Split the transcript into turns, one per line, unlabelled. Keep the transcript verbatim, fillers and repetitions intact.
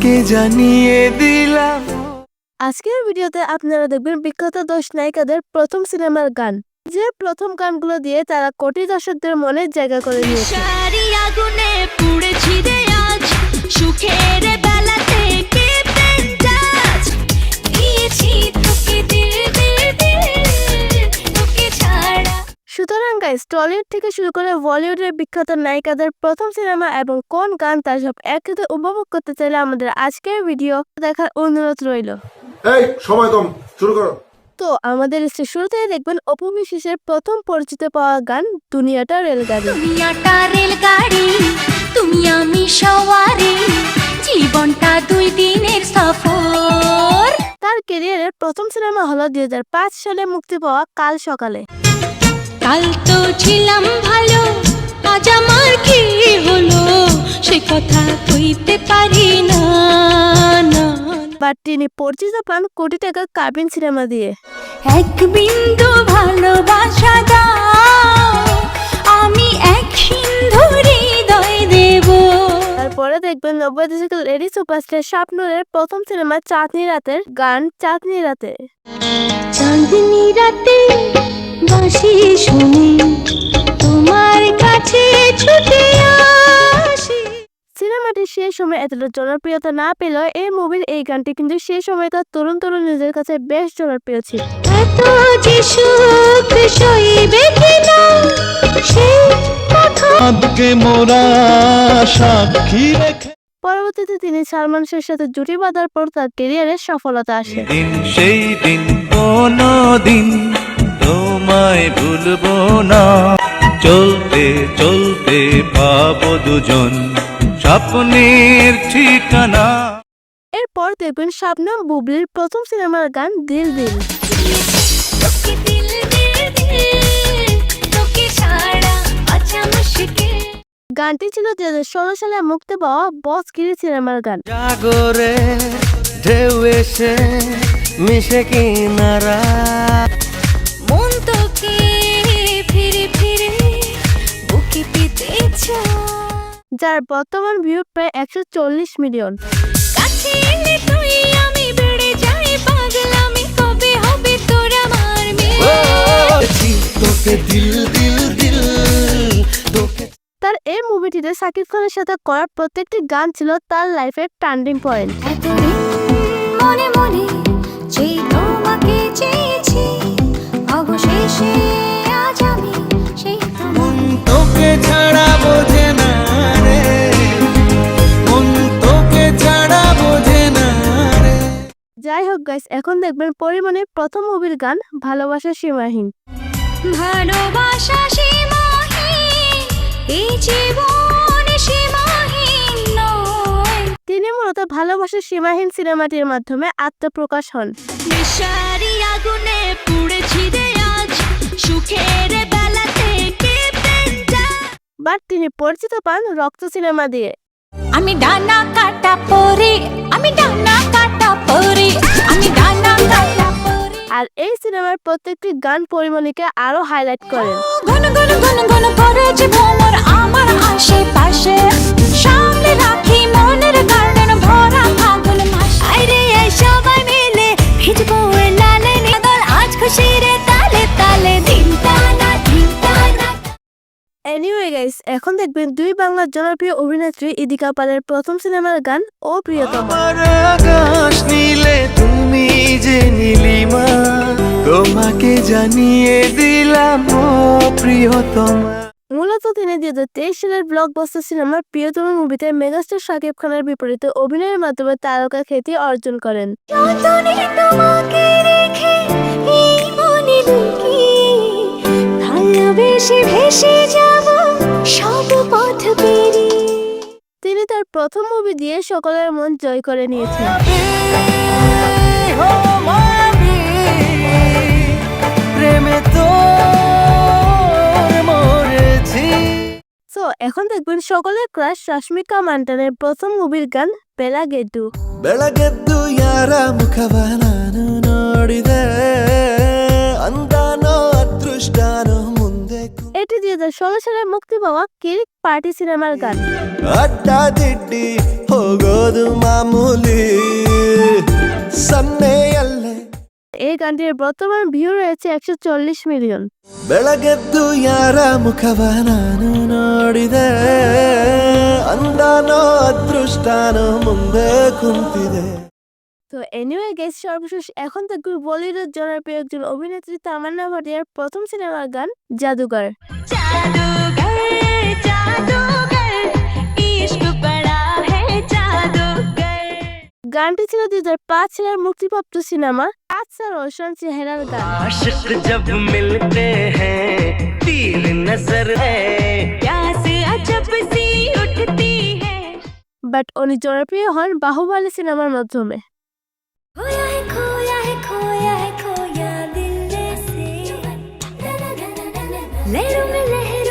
তোমাকে জানিয়ে দিলাম।
আজকের ভিডিওতে আপনারা দেখবেন বিখ্যাত দশ নায়িকাদের প্রথম সিনেমার গান, যে প্রথম গানগুলো দিয়ে তারা কোটি দর্শকদের মনে জায়গা করে নিয়েছে।
আগুনে পুড়েছি রে আজ, সুখের বেলাতে কেঁপে যাচ, দিয়েছি তোকে দিল দিল দিল, তোকে ছাড়া।
সুতরাং গাইস, টলিউড থেকে শুরু করে বলিউডের বিখ্যাত নায়িকাদের প্রথম সিনেমা এবং কোন গান তা সব একসাথে উপভোগ করতে চাইলে আমাদের আজকের ভিডিও দেখার অনুরোধ রইল।
এই সময় কম, শুরু করো।
তো আমাদের শুরুতেই দেখবেন অপু বিশ্বাসের প্রথম পরিচিত পাওয়া গান দুনিয়াটা রেলগাড়ি।
দুনিয়াটা রেলগাড়ি, তুমি আমি সওয়ারি, জীবনটা দুই দিনের সফর।
তার ক্যারিয়ারের প্রথম সিনেমা হলো দুই হাজার পাঁচ সালে মুক্তি পাওয়া কাল সকালে।
কাল তো ছিলাম ভালো, আজ আমার কি হলো সে কথা কইতে পারি না না।
বাট তিনি পরিচিত পান কোটি টাকা কাবিন সিনেমা দিয়ে।
এক বিন্দু ভালোবাসা দাও, আমি এক সিন্ধু হৃদয় দেব।
তারপরে দেখবেন নব্বই দশকের লেডি সুপারস্টার শাবনূরের প্রথম সিনেমা চাঁদনি রাতের গান চাঁদনি রাতে।
চাঁদনি রাতে বাঁশি শুনি, তোমার কাছে ছুটে আসি।
সিনেমাটি সেই সময় এতটা জনপ্রিয়তা না পেলেও এই মুভির এই গানটি কিন্তু সেই সময়কার তরুণ তরুণীদের কাছে বেশ জনপ্রিয় ছিল।
এত যে সুখ সইবে কিনা সেই কথা
আজকে মোরা সাক্ষী রেখে
পরবর্তীতে তিনি সালমান শাহের সাথে জুটি বাঁধার পর তার ক্যারিয়ারে সফলতা আসে।
দিন সেই দিন কোনো দিন তোমায় ভুলবো না, চলতে চলতে পাবো দুজন স্বপ্নের ঠিকানা।
এরপর দেখবেন শাবনম বুবলির প্রথম সিনেমার গান দিল দিল।
তোকে দিল দিল দিল, তোকে ছাড়া আচ্ছা মুশকিল।
গানটি ছিল দুই হাজার ষোলো সালে মুক্তি পাওয়া বস গিরি সিনেমার গান।
জাগরে ঢেউ এসে মিশে কিনারা,
মন তোকে ফিরে ফিরে বুকে পেতে চায়।
যার বর্তমান ভিউ প্রায় একশো চল্লিশ মিলিয়ন।
কাছে এলে তুই আমি বেড়ে যাই পাগলামি, কবে হবে তোর আমার মেয়ে।
তোকে দিল দিল দিল তোকে।
তার এই মুভিটিতে শাকিব খানের সাথে করা প্রত্যেকটি গান ছিল তার লাইফের টার্নিং পয়েন্ট।
এতদিন মনে মনে যে তোমাকে চেয়েছি, অবশেষে আজ আমি সেই তোমার।
তোকে ছাড়া বোঝে না রে, মন তোকে ছাড়া বোঝে না রে।
যাই হোক গাইস, এখন দেখবেন পরিমণির প্রথম মুভির গান ভালোবাসা সীমাহীন।
ভালোবাসা সীমাহীন, এই জীবন সীমাহীন নয়।
তিনি মূলত ভালোবাসা সীমাহীন সিনেমাটির মাধ্যমে আত্মপ্রকাশ হন।
নেশারি আগুনে পুড়েছি রে আজ, সুখের বেলাতে কেঁপে যাচ।
বাট তিনি পরিচিত পান রক্ত সিনেমা দিয়ে।
আমি ডানা কাটা পরে, আমি ডানা কাটা পরে, আমি ডানা কাটা পরে।
আর এই সিনেমার প্রত্যেকটি গান পরিমণিকে আরো হাইলাইট করেন।
ঘন ঘন ঘন ঘন পড়েছে ভ্রমর আমার আশেপাশে, সামনে রাখি মনের গার্ডেন ভরা ফাগুন মাস। আইরে এই সবাই মিলে ভিজবো এ লালে নিদল, আজ খুশির তালে তালে দিন টানা দিন টানা।
এনিওয়ে গাইস, এখন দেখবেন দুই বাংলার জনপ্রিয় অভিনেত্রী ইদিকা পালের প্রথম সিনেমার গান ও প্রিয়তমা।
আমার আকাশ নীলে তুমি যে নীলিমা, তোমাকে জানিয়ে দিলাম ও প্রিয়তমা।
মূলত তিনি দুই হাজার তেইশ সালের ব্লকবাস্টার সিনেমার প্রিয়তমা মুভিতে মেগাস্টার শাকিব খানের বিপরীতে অভিনয়ের মাধ্যমে তারকা খ্যাতি অর্জন করেন।
যতনে তোমাকে রেখে এই মনে লুকিয়ে, ভালোবেসে ভেসে যাব সব পথ পেরিয়ে।
তিনি তার প্রথম মুভি দিয়ে সকলের মন জয় করে নিয়েছেন।
প্রেমে তো মরেছি।
সো এখন দেখবেন সকলের ক্রাশ রশ্মিকা মান্টানের প্রথম মুভির গান ಬೆಳಗೆದ್ದು।
ಬೆಳಗೆದ್ದು ಯಾರ ಮುಖವ ನಾನು ನೋಡಿದೆ, ಅಂದಾನೋ ಅದೃಷ್ಟನೋ ಮುಂದೆ।
এটি দুই হাজার ষোলো সালে মুক্তি পাওয়া কিরিক পার্টি সিনেমার গান।
ಅಡ್ಡ ದಿಡ್ಡಿ ಹೋಗೋದು ಮಾಮೂಲಿ ಸನ್ನೆಯಲ್ಲೇ
এই গানটির বর্তমান ভিউ রয়েছে একশো চল্লিশ মিলিয়ন।
ಬೆಳಗೆದ್ದು ಯಾರ ಮುಖವ ನಾನು ನೋಡಿದೆ ಅಂದಾನೋ ಅದೃಷ್ಟನೋ ಮುಂದೆ ಕುಂತಿದೆ।
তো এনিওয়ে গেস, সর্বশেষ এখন দেখব বলিউডের জনপ্রিয় একজন অভিনেত্রী তামান্না ভাটিয়ার প্রথম সিনেমার গান জাদুঘর।
जादूगर जादूगर इश्क बड़ा है जादूगर।
গানটি ছিল দুই হাজার পাঁচ সালের মুক্তিপ্রাপ্ত সিনেমা আচ্ছা রোশন চেহারার গান।
आशिक जब मिलते हैं तीर नजर है
प्यास अजब सी उठती है।
বাট উনি জনপ্রিয় হন বাহুবলী সিনেমার মাধ্যমে।
खोया है खोया है खोया है खोया दिल से लहरों में लहर